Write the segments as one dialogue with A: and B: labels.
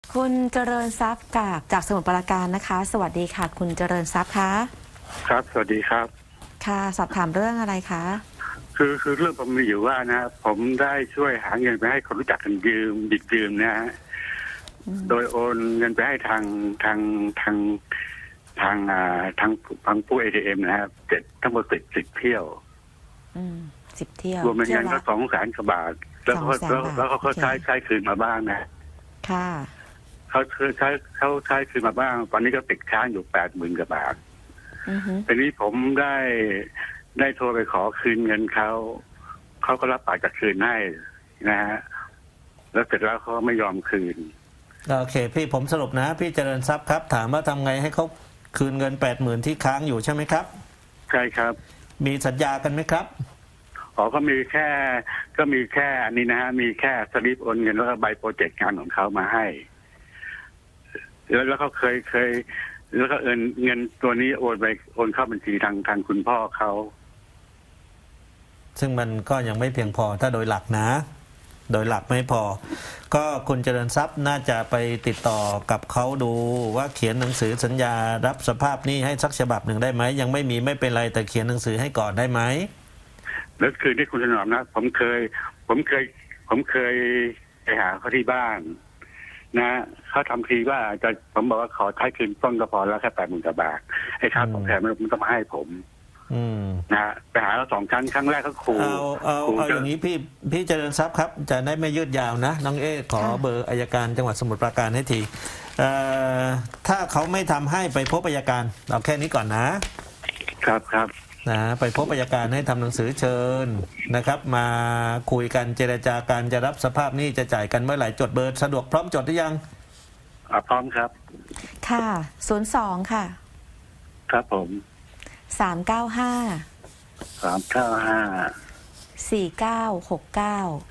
A: คุณเจริญทรัพย์จากสมุทรปราการนะคะ สวัสดีค่ะ คุณเจริญทรัพย์คะ
B: ครับสวัสดีครับ
A: ค่ะสอบถามเรื่องอะไรคะ
B: คือเรื่องผมมีอยู่ว่านะผมได้ช่วยหาเงินไปให้คนรู้จักกันบิดยืมนะฮะโดยโอนเงินไปให้ทางผู้ ATM นะครับทั้งหมด10เที่ยว
A: 10 เที่ยว
B: รวมเป็นเงินก็200,000 กว่าบาทแล้วเขาใช้คืนมาบ้างนะ
A: ค่ะ
B: เขาใช้คืนมาบ้างตอนนี้ก็ติดค้างอยู่80,000 กว่าบาททีนี้ผมได้โทรไปขอคืนเงินเขาก็รับปากจะคืนให้นะฮะแล้วเสร็จแล้วเขาไม่ยอมคืน
C: โอเคพี่ผมสรุปนะพี่เจริญทรัพย์ครับถามว่าทำไงให้เขาคืนเงิน80,000ที่ค้างอยู่ใช่ไหมครับ
B: ใช่ครับ
C: มีสัญญากันไหมครับ
B: ก็มีแค่อันนี้นะฮะมีแค่สลิปโอนเงินแล้วก็ใบโปรเจกต์งานของเขามาให้แล้วเขาเคยแล้วก็เงินตัวนี้โอนเข้าบัญชีทางคุณพ่อเขา
C: ซึ่งมันก็ยังไม่เพียงพอถ้าโดยหลักนะโดยหลักไม่พอก็คุณเจริญทรัพย์น่าจะไปติดต่อกับเขาดูว่าเขียนหนังสือสัญญารับสภาพหนี้ให้สักฉบับหนึ่งได้ไหมยังไม่มีไม่เป็นไรแต่เขียนหนังสือให้ก่อนได้ไหม
B: แล้วคือที่คุณถนอมนะผมเคยไปหาเขาที่บ้านนะเขาทำทีว่าผมบอกว่าขอใช้คืนต้นก็พอแล้วแค่80,000 กว่าบาทไอ้ค่าตอบแทนมันต้องมาให้ผมนะไปหาเรา2 ครั้งแรกเขาขู่
C: เอาอย่างนี้พี่เจริญทรัพย์ครับจะได้ไม่ยืดยาวนะน้องขอเบอร์อัยการจังหวัดสมุทรปราการให้ทีถ้าเขาไม่ทำให้ไปพบอัยการเอาแค่นี้ก่อน
B: ครับ
C: นะไปพบอัยการให้ทำหนังสือเชิญนะครับมาคุยกันเจรจาการจะรับสภาพหนี้จะจ่ายกันเมื่อไหร่จดเบอร์สะดวกพร้อมจดหรือยัง
B: พร้อมครับ
A: ค่ะ02ค่ะ
B: ครับผม
A: 395 4969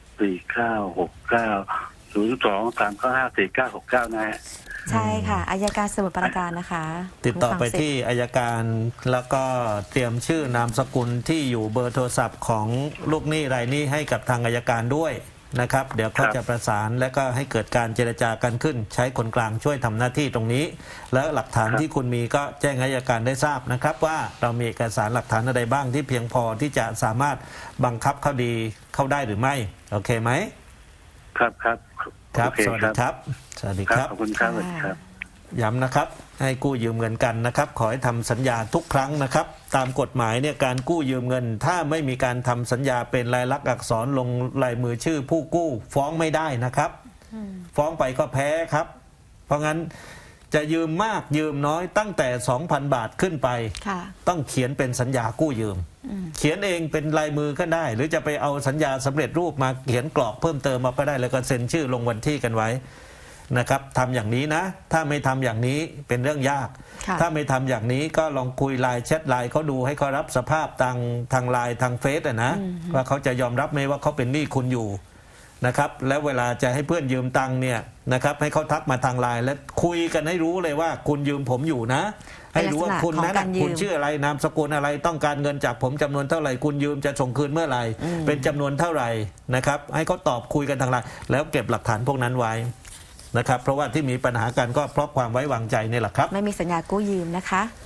B: 02-395-4969นะฮะ
A: ใช่ค่ะอัยการสมุทรปราการนะคะ
C: ติดต่อไปที่อัยการแล้วก็เตรียมชื่อนามสกุลที่อยู่เบอร์โทรศัพท์ของลูกหนี้รายนี้ให้กับทางอัยการด้วยนะครับเดี๋ยวเขาจะประสานและก็ให้เกิดการเจรจากันขึ้นใช้คนกลางช่วยทำหน้าที่ตรงนี้แล้วหลักฐานที่คุณมีก็แจ้งให้อัยการได้ทราบนะครับว่าเรามีเอกสารหลักฐานอะไรบ้างที่เพียงพอที่จะสามารถบังคับคดีเข้าได้หรือไม่โอเคไหม
B: ครับ
C: สวัสดีครับสวัสดีครับ
B: ขอบคุณครับ
C: ย้ำนะครับให้กู้ยืมเงินกันนะครับขอให้ทำสัญญาทุกครั้งนะครับตามกฎหมายเนี่ยการกู้ยืมเงินถ้าไม่มีการทำสัญญาเป็นลายลักษณ์อักษรลงลายมือชื่อผู้กู้ฟ้องไม่ได้นะครับฟ้องไปก็แพ้ครับเพราะงั้นจะยืมมากยืมน้อยตั้งแต่ 2,000 บาทขึ้นไปต้องเขียนเป็นสัญญากู้ยืมเขียนเองเป็นลายมือก็ได้หรือจะไปเอาสัญญาสำเร็จรูปมาเขียนกรอกเพิ่มเติมมาก็ได้แล้วก็เซ็นชื่อลงวันที่กันไว้นะครับทำอย่างนี้นะถ้าไม่ทำอย่างนี้เป็นเรื่องยากถ้าไม่ทำอย่างนี้ก็ลองคุยไลน์แชทไลน์เขาดูให้เขารับสภาพทางไลน์ทางเฟซนะว่าเขาจะยอมรับไหมว่าเขาเป็นหนี้คุณอยู่นะครับแล้วเวลาจะให้เพื่อนยืมตังค์เนี่ยนะครับให้เขาทักมาทางไลน์และคุยกันให้รู้เลยว่าคุณยืมผมอยู่นะให้รู้ว่าคุณนั้นคุณชื่ออะไรนามสกุลอะไรต้องการเงินจากผมจำนวนเท่าไหร่คุณยืมจะส่งคืนเมื่อไหร่เป็นจำนวนเท่าไหร่นะครับให้เขาตอบคุยกันทางไลน์แล้วเก็บหลักฐานพวกนั้นไว้นะครับเพราะว่าที่มีปัญหากันก็เพราะความไว้วางใจนี่แหละครับ
A: ไม่มีสัญญากู้ยืมนะคะ